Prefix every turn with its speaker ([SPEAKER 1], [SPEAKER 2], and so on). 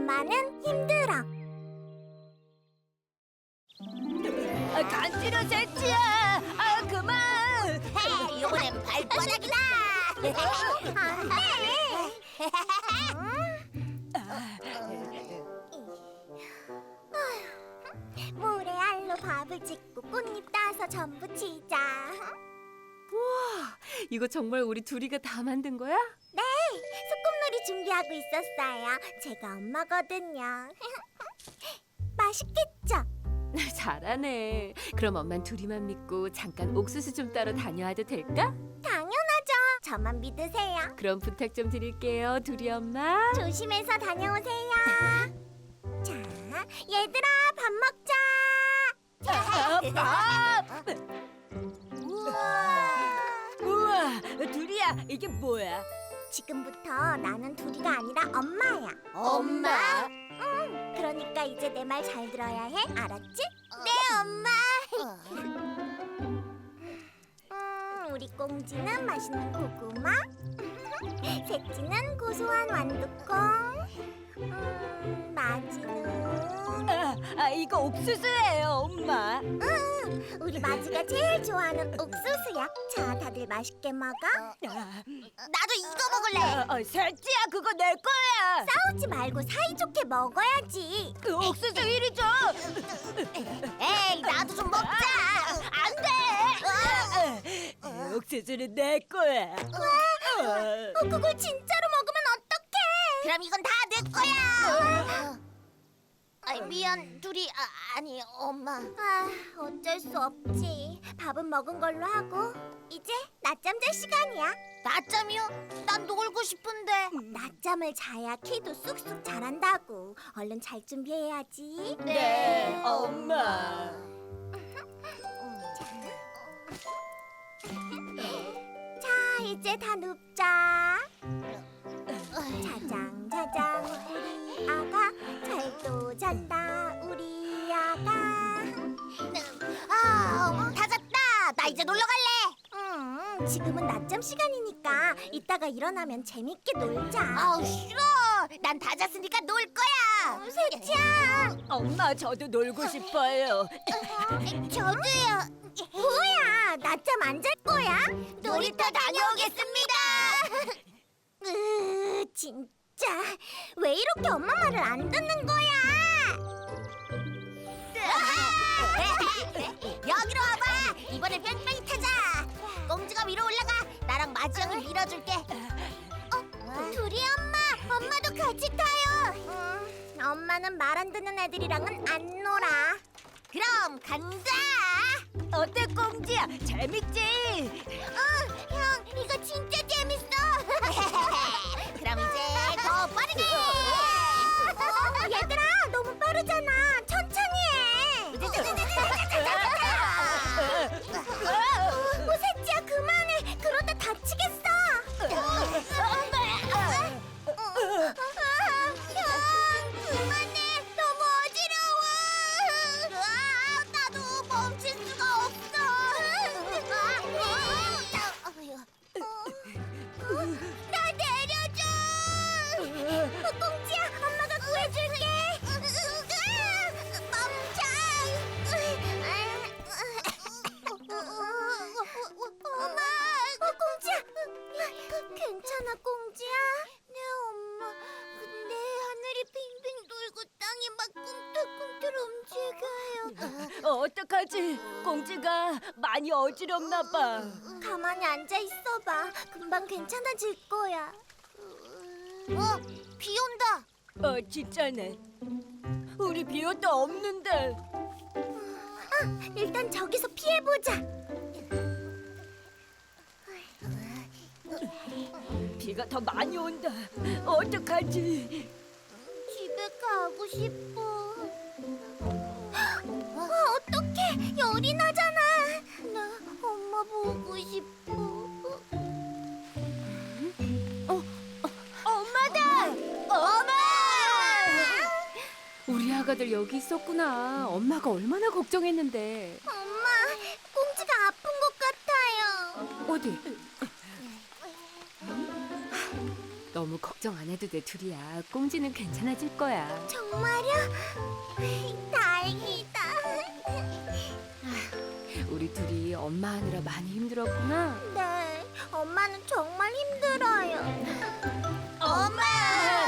[SPEAKER 1] 엄마는 힘들어.
[SPEAKER 2] 간지러 새치야. 그만.
[SPEAKER 1] 헤이, 이번엔 발바닥이다. 안 돼. 모래알로 밥을 짓고 꽃잎 따서 전부 치자.
[SPEAKER 2] 우와, 이거 정말 우리 둘이가 다 만든 거야?
[SPEAKER 1] 네, 소꿉놀이 준비하고 있었어요. 제가 엄마거든요. 맛있겠죠?
[SPEAKER 2] 잘하네. 그럼 엄만 둘이만 믿고 잠깐 옥수수 좀 따러 다녀와도 될까?
[SPEAKER 1] 당연하죠. 저만 믿으세요.
[SPEAKER 2] 그럼 부탁 좀 드릴게요, 둘이 엄마.
[SPEAKER 1] 조심해서 다녀오세요. 자, 얘들아, 밥 먹자.
[SPEAKER 2] 밥!
[SPEAKER 1] 우와.
[SPEAKER 2] 우와, 둘이야, 이게 뭐야?
[SPEAKER 1] 지금부터 나는 둘이가 아니라 엄마야.
[SPEAKER 2] 엄마?
[SPEAKER 1] 응, 그러니까 이제 내 말 잘 들어야 해. 알았지? 네, 엄마. 우리 꽁지는 맛있는 고구마. 새치는 고소한 완두콩. 마지는
[SPEAKER 2] 이거 옥수수예요, 엄마.
[SPEAKER 1] 우리 마지가 제일 좋아하는 옥수수야. 자, 다들 맛있게 먹어. 나도 이거 먹을래.
[SPEAKER 2] 새치야, 그거 내 거야.
[SPEAKER 1] 싸우지 말고 사이좋게 먹어야지.
[SPEAKER 2] 옥수수 이리 줘.
[SPEAKER 1] 에이, 나도 좀 먹자.
[SPEAKER 2] 안 돼. 옥수수는 내 거야.
[SPEAKER 1] 그걸 진짜로 먹으면 어떡해? 그럼 이건 다 내 거야. 미안, 둘이 아니 엄마. 어쩔 수 없지. 밥은 먹은 걸로 하고 이제 낮잠 잘 시간이야. 낮잠이요? 난 놀고 싶은데. 낮잠을 자야 키도 쑥쑥 자란다고. 얼른 잘 준비해야지.
[SPEAKER 2] 네, 엄마.
[SPEAKER 1] 자, 이제 다 눕자. 자장 자장 우리 아가 잘도 잔다 우리 아가. 다 잤다. 나 이제 놀러 갈래. 지금은 낮잠 시간이니까 이따가 일어나면 재밌게 놀자. 아우 싫어. 난 다 잤으니까 놀 거야. 새치야.
[SPEAKER 2] 엄마, 저도 놀고 싶어요.
[SPEAKER 1] 저도요. 뭐야? 낮잠 안 잘 거야? 놀이터 다녀오겠습니다. 진짜 왜 이렇게 엄마 말을 안 듣는 거야? 여기로 와봐. 이번엔 뺑뺑이 타자. 꽁지가 위로 올라가. 나랑 마지 형이 밀어줄게. 둘이 엄마도 같이 타요. 엄마는 말 안 듣는 애들이랑은 안 놀아. 그럼 간다.
[SPEAKER 2] 어때, 꽁지야? 재밌지?
[SPEAKER 1] 형, 이거 진짜 재밌어. 그럼 이제 더 빠르게. 얘들아, 너무 빠르잖아. 천천히 해. 새치야, 그만해. 그러다 다치겠어. 형, 그만해. 너무 어지러워. 나도 멈출 수가 없어. 나 내려줘. 꽁지야, 엄마가 구해줄게. 멈춰. 엄마, 꽁지야. 괜찮아, 꽁지야? 네, 엄마. 근데 하늘이 빙빙 돌고 땅이 막 꿈틀꿈틀 움직여요.
[SPEAKER 2] 어떡하지? 꽁지가 많이 어지럽나 봐.
[SPEAKER 1] 가만히 앉아 있어봐. 금방 괜찮아질 거야. 비 온다.
[SPEAKER 2] 진짜네. 우리 비옷도 없는데.
[SPEAKER 1] 일단 저기서 피해보자.
[SPEAKER 2] 비가 더 많이 온다. 어떡하지?
[SPEAKER 1] 집에 가고 싶어. 어떡해, 열이 나잖아. 나 엄마 보고 싶어.
[SPEAKER 2] 엄마다! 엄마! 우리 아가들 여기 있었구나. 엄마가 얼마나 걱정했는데.
[SPEAKER 1] 엄마, 꽁지가 아픈 것 같아요.
[SPEAKER 2] 어디? 너무 걱정 안 해도 돼, 둘이야. 꽁지는 괜찮아질 거야.
[SPEAKER 1] 정말요? 다행이다.
[SPEAKER 2] 우리 둘이 엄마 하느라 많이 힘들었구나.
[SPEAKER 1] 네, 엄마는 정말 힘들어요. 엄마!